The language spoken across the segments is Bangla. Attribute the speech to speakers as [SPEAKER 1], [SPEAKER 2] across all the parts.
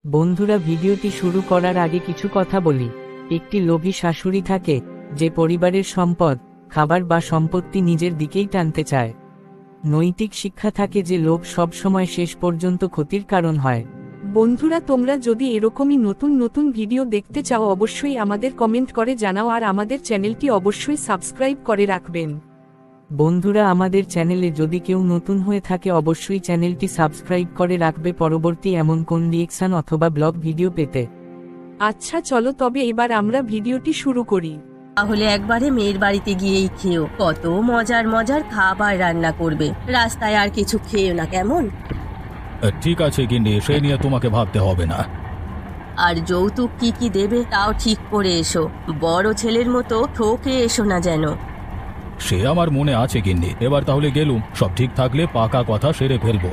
[SPEAKER 1] বন্ধুরা, ভিডিওটি শুরু করার আগে কিছু কথা বলি। একটি লোভী শাশুড়ি থাকে যে পরিবারের সম্পদ, খাবার বা সম্পত্তি নিজের দিকেই টানতে চায়। নৈতিক শিক্ষা থাকে যে লোভ সবসময় শেষ পর্যন্ত ক্ষতির কারণ হয়।
[SPEAKER 2] বন্ধুরা, তোমরা যদি এরকমই নতুন নতুন ভিডিও দেখতে চাও অবশ্যই আমাদের কমেন্ট করে জানাও আর আমাদের চ্যানেলটি অবশ্যই সাবস্ক্রাইব করে রাখবেন।
[SPEAKER 1] বন্ধুরা, আমাদের চ্যানেলে যদি কেউ নতুন হয়ে থাকে অবশ্যই চ্যানেলটি সাবস্ক্রাইব করে রাখবে পরবর্তী এমন কোন রিয়েকশন অথবা ব্লগ ভিডিও পেতে।
[SPEAKER 2] আচ্ছা চলো তবে এবার আমরা ভিডিওটি শুরু করি।
[SPEAKER 3] তাহলে একবারে মেয়ের বাড়িতে গিয়েই খেও, কত মজার মজার খাবার রান্না করবে। রাস্তায় আর কিছু খেও না, কেমন?
[SPEAKER 4] ঠিক আছে গিন্নি, সে নিয়ে তোমাকে ভাবতে হবে না।
[SPEAKER 3] আর যৌতুক কি কি দেবে তাও ঠিক করে এসো, বড় ছেলের মতো ঠকে এসো না যেন।
[SPEAKER 4] সে আমার মনে আছে গিন্নি। এবার তাহলে গেলুম, সব ঠিক থাকলে পাকা কথা সেরে ফেলবো।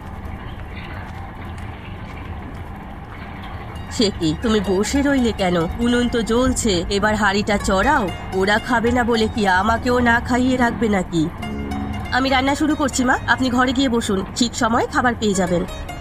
[SPEAKER 3] সে কি, তুমি বসে রইলে কেন? উনুন তো জ্বলছে, এবার হাঁড়িটা চড়াও। ওরা খাবে না বলে কি আমাকেও না খাইয়ে রাখবে নাকি? আমি রান্না শুরু করছি মা, আপনি ঘরে গিয়ে বসুন, ঠিক সময়ে খাবার পেয়ে যাবেন।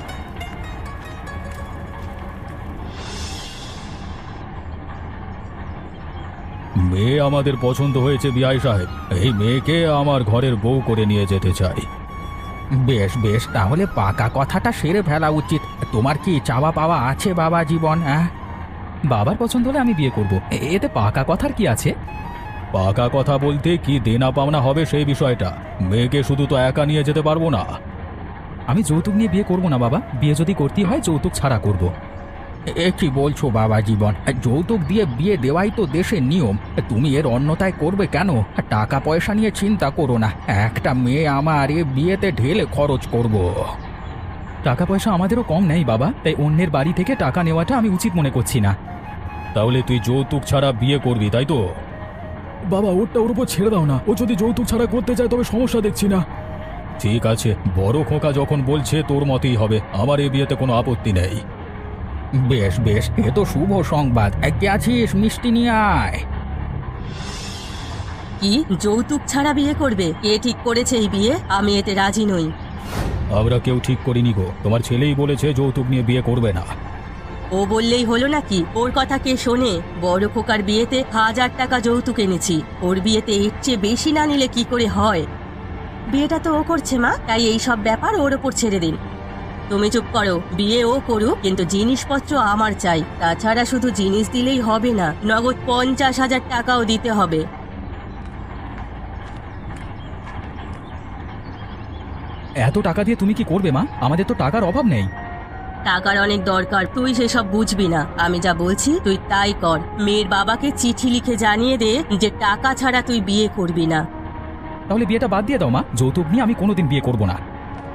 [SPEAKER 4] মেয়ে আমাদের পছন্দ হয়েছে বিআই সাহেব। এই মেয়েকে আমার ঘরের বউ করে নিয়ে যেতে চাই।
[SPEAKER 5] বেশ বেশ, তাহলে পাকা কথাটা সেরে ফেলা উচিত। তোমার কি চাওয়া পাওয়া আছে বাবা জীবন? হ্যাঁ,
[SPEAKER 6] বাবার পছন্দ হলে আমি বিয়ে করব, এতে পাকা কথার কি আছে?
[SPEAKER 4] পাকা কথা বলতে কি দেনা পাওনা হবে সেই বিষয়টা। মেয়েকে শুধু তো একা নিয়ে যেতে পারবো না।
[SPEAKER 6] আমি যৌতুক নিয়ে বিয়ে করব না বাবা, বিয়ে যদি করতে হয় যৌতুক ছাড়া করব।
[SPEAKER 5] এ কি বলছো বাবা জীবন? যৌতুক দিয়ে বিয়ে দেওয়াই তো দেশের নিয়ম। তুমি এর অন্যতায় করবে কেন? টাকা পয়সা নিয়ে চিন্তা করো না, একটা মেয়ে আমার এ বিয়েতে ঢেলে খরচ করব।
[SPEAKER 6] টাকা পয়সা আমাদেরও কম নেই বাবা, তাই অন্যের বাড়ি থেকে টাকা নেওয়াটা আমি উচিত মনে করছি না।
[SPEAKER 4] তাহলে তুই যৌতুক ছাড়া বিয়ে করবি, তাই তো?
[SPEAKER 7] বাবা, ওরটা ওর উপর ছেড়ে দাও না। ও যদি যৌতুক ছাড়া করতে চায় তবে সমস্যা দেখছি না।
[SPEAKER 4] ঠিক আছে, বড় খোকা যখন বলছে তোর মতেই হবে, আমার এই বিয়েতে কোনো আপত্তি নেই।
[SPEAKER 5] বেশ বেশ, এ তো শুভ সংবাদ। কে আছিস? মিষ্টি নিয়ে আয়।
[SPEAKER 3] কি, যৌতুক ছাড়া বিয়ে করবে? কে ঠিক করেছে এই বিয়ে? আমি এতে রাজি নই।
[SPEAKER 4] আমরা কেউ ঠিক করিনি গো, তোমার ছেলেই বলেছে যৌতুক নিয়ে বিয়ে করবে না।
[SPEAKER 3] ও বললেই হলো নাকি? ওর কথা কে শোনে? বড় খোকার বিয়েতে 1000 টাকা যৌতুক এনেছি, ওর বিয়েতে এর চেয়ে বেশি না নিলে কি করে হয়? বিয়েটা তো ও করছে মা, তাই এই সব ব্যাপার ওর ওপর ছেড়ে দিন। তুমি চুপ করো, বিয়ে ও করুক, কিন্তু জিনিসপত্র আমার চাই। তাছাড়া শুধু জিনিস দিলেই হবে না, নগদ 50,000 টাকাও দিতে হবে।
[SPEAKER 6] এত টাকা দিয়ে তুমি কি করবে মা? আমাদের তো টাকার অভাব নেই।
[SPEAKER 3] টাকার অনেক দরকার, তুই সেসব বুঝবি না। আমি যা বলছি তুই তাই কর। মেয়ের বাবাকে চিঠি লিখে জানিয়ে দে যে টাকা ছাড়া তুই বিয়ে করবি না।
[SPEAKER 6] তাহলে বিয়েটা বাদ দিয়ে দাও মা, যৌতুক নিয়ে আমি কোনোদিন বিয়ে করব না।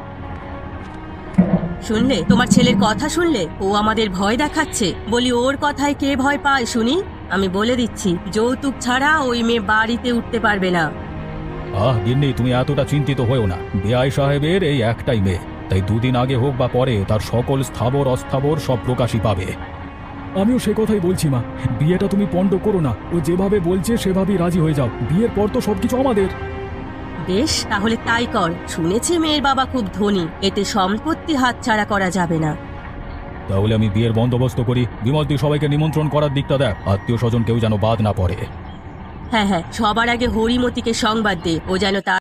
[SPEAKER 3] শুনলে, তোমার ছেলের কথা শুনলে? ও আমাদের ভয় দেখাচ্ছে। বলি, ওর কথায় কে ভয় পায় শুনি? আমি বলে দিচ্ছি, যৌতুক ছাড়া ওই মেয়ে বাড়িতে উঠতে পারবে না।
[SPEAKER 4] গিন্নি, তুমি এতটা চিন্তিত হয়েও না। বিআই সাহেবের এই একটাই মেয়ে, তাই দুদিন আগে হোক বা পরে তার সকল স্থাবর অস্থাবর সব প্রকাশই পাবে।
[SPEAKER 7] আমিও সে কথাই বলছি মা, বিয়েটা তুমি পণ্ড করো না। ও যেভাবে বলছে সেভাবেই রাজি হয়ে যাও। বিয়ের পর তো সবকিছু আমাদের।
[SPEAKER 3] বেশ, তাহলে তাই কর। শুনেছি মেয়ের বাবা খুব ধনী, এতে সম্পত্তি হাতছাড়া করা যাবে না।
[SPEAKER 4] তাহলে আমি বিয়ের বন্দোবস্ত করি। বিমল, তুই সবাইকে নিমন্ত্রণ করার দিকটা দেখ, আত্মীয় স্বজন কেউ যেন বাদ না পড়ে।
[SPEAKER 3] হ্যাঁ হ্যাঁ, সবার আগে হরিমতিকে সংবাদ দে, ও যেন তার